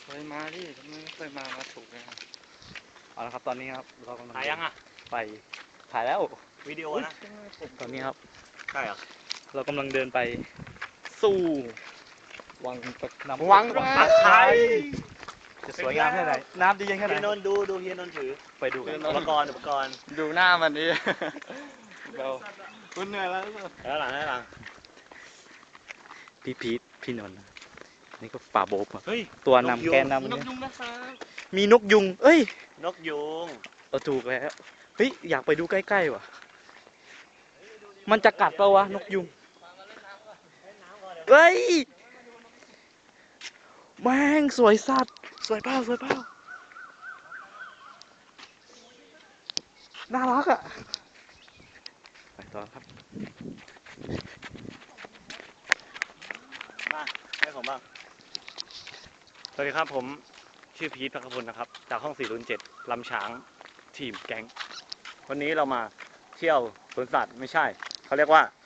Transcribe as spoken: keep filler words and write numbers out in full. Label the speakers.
Speaker 1: เคยมาดิไม่เคยมามาถูกเลยครับ
Speaker 2: เอาละครับตอนนี้ครับเรากำลัง
Speaker 3: ถ่ายยังอ่ะ
Speaker 2: ไปถ่ายแล้ว
Speaker 3: วิดีโอนะ
Speaker 2: ตอนนี้ครับ
Speaker 3: ใช่เหรอ
Speaker 2: เรากำลังเดินไปสู่วังตะน้ำ
Speaker 1: วัง
Speaker 2: ตะ
Speaker 1: ตะ
Speaker 2: ไค
Speaker 1: ไคร้
Speaker 2: ร้จะสวยงามแค่ไหนน้ำดียังแค่ไหน
Speaker 3: เฮียนนท์ดูดูเฮียนนท์ถือ
Speaker 2: ไปดูกัน
Speaker 3: อุปกรณ์อุปกรณ์
Speaker 1: ดูหน้ามันดิเราคุณเหนื่อยแล้ว
Speaker 3: แล้วหลังแล้วหลัง
Speaker 2: พี่พีทพี่นนท์นี่ก็ป่าโบบอะ
Speaker 3: เฮ้ย
Speaker 2: ตัวนำแกนนำ
Speaker 1: นก
Speaker 2: เนี่ย
Speaker 1: ยุงนะครับ
Speaker 2: มีนกยุงเอ้ย
Speaker 3: นกยูง
Speaker 2: เออถูกแล้วเฮ้ยอยากไปดูใกล้ๆว่ะมันจะกัดเปล่าวะนกยุงเฮ้ยแม่งสวยสัตว์สวยเปล่าสวยเปล่าน่ารักอ่ะไปต่อครับ
Speaker 3: มาให้ผมบ้างสวัสดีครับผมชื่อพีทพักพลนะครับจากห้องสี่ศูนย์เจ็ดลำช้างทีมแก๊งวันนี้เรามาเที่ยวสวนสัตว์ไม่ใช่เขาเรียกว่า